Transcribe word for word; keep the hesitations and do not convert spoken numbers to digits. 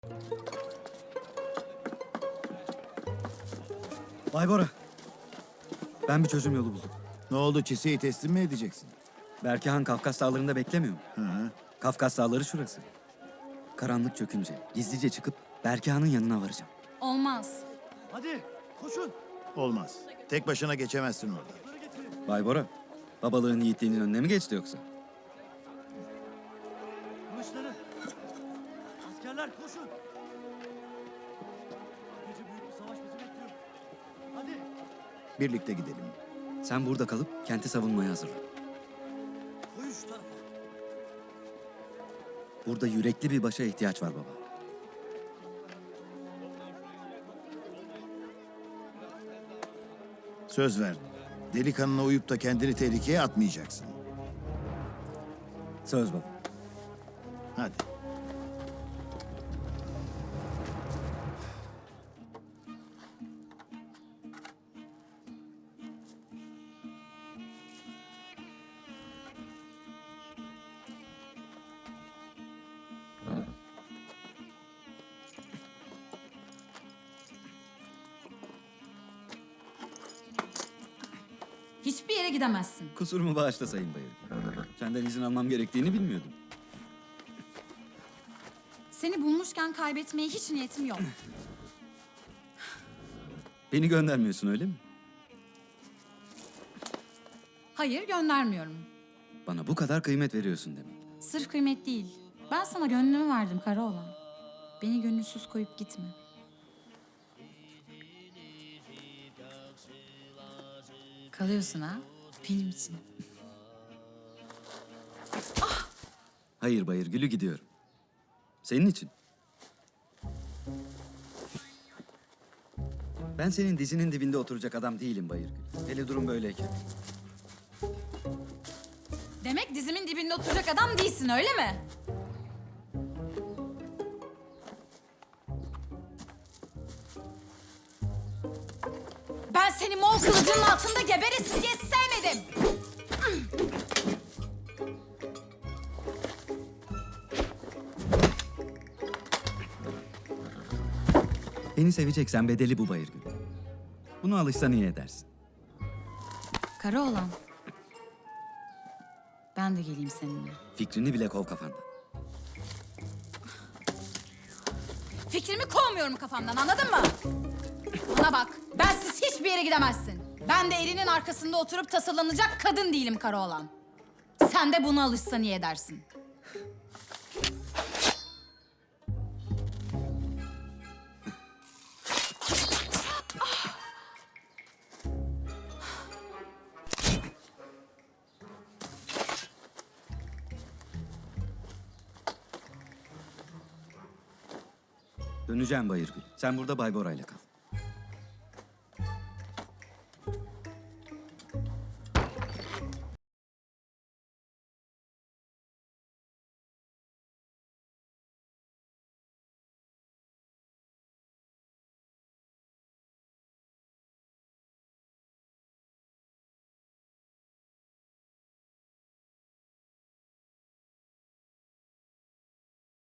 Bay Bora, ben bir çözüm yolu buldum. Ne oldu, Çise'yi teslim mi edeceksin? Berkehan Kafkas dağlarında beklemiyor mu? Hı hı. Kafkas dağları şurası. Karanlık çökünce gizlice çıkıp Berkehan'ın yanına varacağım. Olmaz. Hadi koşun. Olmaz. Tek başına geçemezsin orada. Bay Bora, babalığın yiğitliğinin önüne mi geçti yoksa? Kılıçları. Askerler koşun. Bu gece büyük bir savaş bizi bekliyor. Hadi. Birlikte gidelim. Sen burada kalıp kenti savunmaya hazırlan. Koyun şu tarafa. Burada yürekli bir başa ihtiyaç var baba. Söz ver. Delikanlına uyup da kendini tehlikeye atmayacaksın. Söz baba. Hadi. Hiçbir yere gidemezsin. Kusurumu bağışla Sayın Bayır. Senden izin almam gerektiğini bilmiyordum. Seni bulmuşken kaybetmeye hiç niyetim yok. Beni göndermiyorsun öyle mi? Hayır, göndermiyorum. Bana bu kadar kıymet veriyorsun demek. Sırf kıymet değil. Ben sana gönlümü verdim Karaoğlan. Beni gönülsüz koyup gitme. Kalıyorsun ha, benim için. Hayır Bayır Gülü, gidiyorum. Senin için. Ben senin dizinin dibinde oturacak adam değilim Bayır Gül. Hele durum böyleyken. Demek dizimin dibinde oturacak adam değilsin, öyle mi? Ben seni Moğol kılıcının altında geberesin diye sevmedim. Beni seveceksen bedeli bu Bayır Gül. Buna alışsan iyi edersin. Karaoğlan. Ben de geleyim seninle. Fikrini bile kov kafandan. Fikrimi kovmuyorum kafamdan, anladın mı? Bana bak, bensiz hiçbir yere gidemezsin. Ben de elinin arkasında oturup tasarlanacak kadın değilim Karaoğlan. Sen de buna alışsan iyi edersin. Döneceğim Bayır Gül. Sen burada Bay Bora'yla kal.